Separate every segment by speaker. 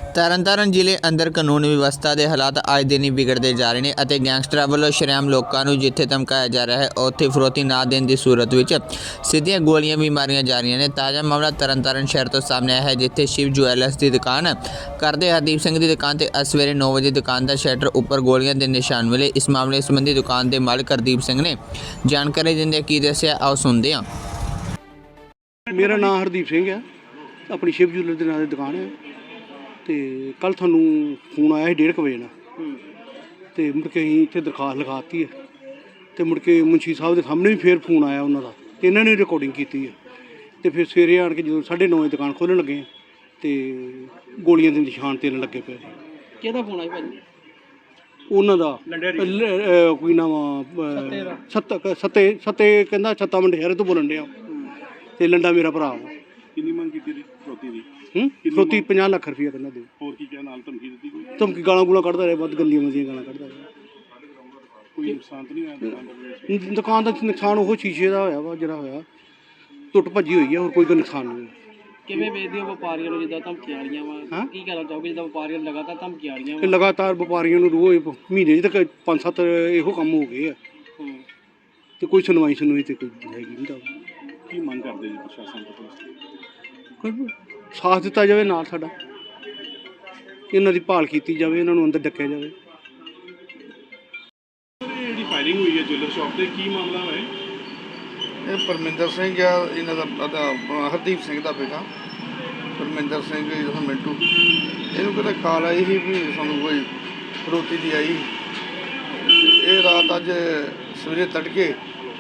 Speaker 1: ਤਰਨਤਾਰਨ ਜ਼ਿਲ੍ਹੇ ਅੰਦਰ ਕਾਨੂੰਨ ਵਿਵਸਥਾ ਦੇ ਹਾਲਾਤ ਅੱਜ ਦਿਨ ਹੀ ਵਿਗੜਦੇ ਜਾ ਰਹੇ ਨੇ ਅਤੇ ਗੈਂਗਸਟਰਾਂ ਵੱਲੋਂ ਸ਼ਰੇਆਮ ਲੋਕਾਂ ਨੂੰ ਜਿੱਥੇ ਧਮਕਾਇਆ ਜਾ ਰਿਹਾ ਹੈ ਉੱਥੇ ਫਿਰੌਤੀ ਨਾ ਦੇਣ ਦੀ ਸੂਰਤ ਵਿੱਚ ਸਿੱਧੀਆਂ ਗੋਲੀਆਂ ਵੀ ਮਾਰੀਆਂ ਜਾ ਰਹੀਆਂ ਨੇ। ਤਾਜ਼ਾ ਮਾਮਲਾ ਤਰਨਤਾਰਨ ਸ਼ਹਿਰ ਤੋਂ ਸਾਹਮਣੇ ਆਇਆ ਹੈ, ਜਿੱਥੇ ਸ਼ਿਵ ਜੁਐਲਰਸ ਦੀ ਦੁਕਾਨ ਕਰਦੇ ਹਰਦੀਪ ਸਿੰਘ ਦੀ ਦੁਕਾਨ ਤੇ ਸਵੇਰੇ 9 ਵਜੇ ਦੁਕਾਨ ਦਾ ਸ਼ਟਰ ਉੱਪਰ ਗੋਲੀਆਂ ਦੇ ਨਿਸ਼ਾਨ ਮਿਲੇ। ਇਸ ਮਾਮਲੇ ਸੰਬੰਧੀ ਦੁਕਾਨ ਦੇ ਮਾਲਕ ਹਰਦੀਪ ਸਿੰਘ ਨੇ ਜਾਣਕਾਰੀ ਦਿੰਦੇ ਕੀ ਦੱਸਿਆ, ਆਓ ਸੁਣਦੇ ਹਾਂ।
Speaker 2: ਮੇਰਾ ਨਾਮ ਹਰਦੀਪ ਸਿੰਘ ਹੈ, ਆਪਣੀ ਸ਼ਿਵ ਜੁਐਲਰ ਦੇ ਨਾਂ ਦੀ ਦੁਕਾਨ ਹੈ। ਤੇ ਕੱਲ੍ਹ ਤੁਹਾਨੂੰ ਫੋਨ ਆਇਆ ਸੀ 1:30 ਵਜੇ ਨਾਲ, ਤੇ ਮੁੜ ਕੇ ਅਸੀਂ ਇੱਥੇ ਦਰਖਾਸਤ ਲਿਖਾਤੀ ਹੈ। ਤੇ ਮੁੜ ਕੇ ਮੁਨਸ਼ੀ ਸਾਹਿਬ ਦੇ ਸਾਹਮਣੇ ਵੀ ਫੇਰ ਫੋਨ ਆਇਆ ਉਹਨਾਂ ਦਾ, ਤੇ ਇਹਨਾਂ ਨੇ ਰਿਕਾਰਡਿੰਗ ਕੀਤੀ ਹੈ। ਤੇ ਫਿਰ ਸਵੇਰੇ ਆਣ ਕੇ ਜਦੋਂ 9:30 ਵਜੇ ਦੁਕਾਨ ਖੋਲ੍ਹਣ ਲੱਗੇ ਤੇ ਗੋਲੀਆਂ ਦੇ ਨਿਸ਼ਾਨ ਤੇਰਨ ਲੱਗੇ ਪਏ।
Speaker 3: ਕਿਹਦਾ ਫੋਨ ਆਇਆ ਭਾਜੀ?
Speaker 2: ਉਹਨਾਂ ਦਾ ਕੋਈ ਨਾਮ ਸੱਤੇ ਕਹਿੰਦਾ ਛੱਤਾ ਮੰਡਿਆਰੇ ਤੋਂ ਬੋਲਣ ਡਿਆ, ਤੇ ਲੰਡਾ ਮੇਰਾ ਭਰਾ ਵਾ।
Speaker 4: ਕਿੰਨੀ ਮੰਗ ਕੀਤੀ ਸੀ ਫਰੋਤੀ ਦੀ?
Speaker 2: ਫਰੋਤੀ 50 ਲੱਖ ਰੁਪਈਆ ਕਹਿੰਦਾ ਦੇ।
Speaker 4: ਹੋਰ ਕੀ ਕਿਹਾ, ਨਾਲ ਧਮਕੀ ਦਿੱਤੀ ਕੋਈ?
Speaker 2: ਧਮਕੀ ਗਾਲਾਂ ਗੂਲਾਂ ਕੱਢਦਾ ਰਿਹਾ, ਵੱਧ ਗੰਦੀਆਂ ਮੰਦੀਆਂ ਗਾਲਾਂ ਕੱਢਦਾ ਰਿਹਾ।
Speaker 4: ਕੋਈ ਨੁਕਸਾਨ ਤਾਂ ਨਹੀਂ ਆਇਆ ਦੁਕਾਨ ਦਾ?
Speaker 2: ਦੁਕਾਨ ਦਾ ਨੁਕਸਾਨ ਉਹ ਸ਼ੀਸ਼ੇ ਦਾ ਹੋਇਆ ਵਾ, ਜਿਹੜਾ ਹੋਇਆ ਟੁੱਟ ਭੱਜੀ ਹੋਈ ਹੈ, ਹੋਰ ਕੋਈ ਨੁਕਸਾਨ ਨਹੀਂ।
Speaker 3: ਕਿਵੇਂ ਵੇਚਦੇ ਹੋ ਵਪਾਰੀਆਂ ਨੂੰ ਜਿੱਦਾਂ ਧਮਕੀਆਂ ਆ ਰਹੀਆਂ ਵਾ? ਕੀ ਕਹਿਣਾ ਚਾਹੋਗੇ ਜਿੱਦਾਂ ਵਪਾਰੀਆਂ ਨੂੰ ਲਗਾਤਾਰ ਧਮਕੀਆਂ ਆ ਰਹੀਆਂ
Speaker 2: ਇਹ ਲਗਾਤਾਰ ਵਪਾਰੀਆਂ ਨੂੰ ਰੋਜ਼ ਮਹੀਨੇ ਤੱਕ 5-7 ਇਹੋ ਕੰਮ ਹੋ ਗਏ ਆ, ਤੇ ਕੋਈ ਸੁਣਵਾਈ ਤੇ ਕੋਈ ਹੈਗੀ ਨਹੀਂ। ਤਾਂ
Speaker 4: ਕੀ ਮੰਗ ਕਰਦੇ ਜੀ ਪ੍ਰਸ਼ਾਸਨ ਤੋਂ, ਪੁਲਿਸ ਤੋਂ?
Speaker 2: ਕੋਈ ਸਾਥ ਦਿੱਤਾ ਜਾਵੇ ਨਾਲ ਸਾਡਾ, ਇਹਨਾਂ ਦੀ ਭਾਲ ਕੀਤੀ ਜਾਵੇ, ਇਹਨਾਂ ਨੂੰ ਅੰਦਰ ਡੱਕਿਆ ਜਾਵੇ।
Speaker 4: ਜਿਹੜੀ ਫਾਇਰਿੰਗ ਹੋਈ ਹੈ ਜੁਐਲਰ ਸ਼ਾਪ ਤੇ, ਕੀ ਮਾਮਲਾ ਹੈ?
Speaker 5: ਇਹ ਪਰਮਿੰਦਰ ਸਿੰਘ ਆ, ਇਹਨਾਂ ਦਾ ਹਰਦੀਪ ਸਿੰਘ ਦਾ ਬੇਟਾ ਪਰਮਿੰਦਰ ਸਿੰਘ ਜਿਹੜਾ ਮਿੰਟੂ। ਇਹਨੂੰ ਕਿਤੇ ਕਾਲ ਆਈ ਸੀ ਵੀ ਸਾਨੂੰ ਕੋਈ ਫਰੋਤੀ ਦੀ ਆਈ। ਇਹ ਰਾਤ ਅੱਜ ਸਵੇਰੇ ਤੜਕੇ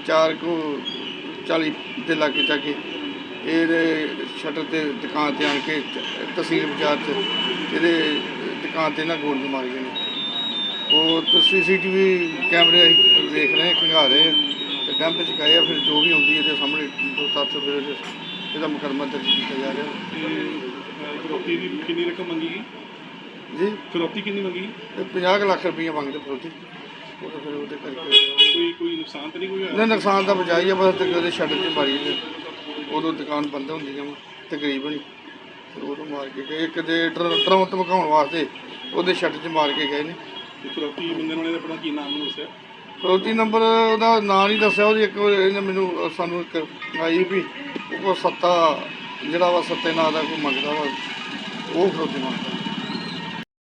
Speaker 5: 4:40 ਦੇ ਲਾਗੇ ਜਾ ਕੇ ਇਹਦੇ ਸ਼ਟਰ ਤੇ ਦੁਕਾਨ ਤੇ ਆਣ ਕੇ ਤਹਿਸੀਲ ਬਾਜ਼ਾਰ 'ਚ ਇਹਦੇ ਦੁਕਾਨ ਤੇ ਨਾ ਗੋਲੀਆਂ ਮਾਰੀਆਂ ਨੇ। ਉਹ CCTV ਕੈਮਰੇ ਅਸੀਂ ਵੇਖ ਰਹੇ, ਖੰਗਾਲ ਰਹੇ ਤੇ ਡੈਂਪ 'ਚ ਗਏ ਆ। ਫਿਰ ਜੋ ਵੀ ਹੁੰਦੀ ਇਹਦੇ ਸਾਹਮਣੇ 2-7 ਫਿਰ ਇਹਦਾ ਮੁਕੱਦਮਾ ਦਰਜ ਕੀਤਾ ਜਾ ਰਿਹਾ।
Speaker 4: ਫਰੋਤੀ ਦੀ ਕਿੰਨੀ ਰਕਮ ਮੰਗੀ ਗਈ
Speaker 5: ਜੀ?
Speaker 4: ਫਰੋਤੀ ਕਿੰਨੀ ਮੰਗੀ?
Speaker 5: 50 ਲੱਖ ਰੁਪਈਆ ਮੰਗਦੇ ਫਰੋਤੀ। ਉਹ ਤਾਂ ਫਿਰ ਉਹਦੇ ਕਰਕੇ
Speaker 4: ਕੋਈ ਨੁਕਸਾਨ ਤਾਂ ਨਹੀਂ ਕੋਈ ਹੋਇਆ?
Speaker 5: ਨਾ, ਨੁਕਸਾਨ ਦਾ ਬਚਾਈ ਆ, ਬਸ ਤੇ ਉਹਦੇ ਸ਼ਟਰ 'ਚ ਮਾਰੀ ਨੇ। ਉਦੋਂ ਦੁਕਾਨ ਬੰਦ ਹੁੰਦੀ ਆ ਤਕਰੀਬਨ, ਤੇ ਉਦੋਂ ਮਾਰ ਕੇ ਗਏ। ਇੱਕ ਦੇ ਡਰਾਉਣ ਧਮਕਾਉਣ ਵਾਸਤੇ ਉਹਦੇ ਸ਼ਟਰ 'ਚ ਮਾਰ ਕੇ ਗਏ ਨੇ।
Speaker 4: ਫਰੋਤੀ ਬੰਦੇ ਨੂੰ ਆਪਣਾ ਕੀ ਨਾਮ ਨੂੰ ਦੱਸਿਆ?
Speaker 5: ਫਰੋਤੀ ਨੰਬਰ ਉਹਦਾ ਨਾਂ ਨਹੀਂ ਦੱਸਿਆ। ਉਹਦੀ ਇੱਕ ਇਹਨੇ ਮੈਨੂੰ ਸਾਨੂੰ ਇੱਕ ਆਈ ਵੀ ਉਹ ਸੱਤਾ ਜਿਹੜਾ ਵਾ, ਸੱਤੇ ਨਾਂ ਦਾ ਕੋਈ ਮੰਗਦਾ ਵਾ, ਉਹ ਫਰੋਤੀ ਮੰਗਦਾ।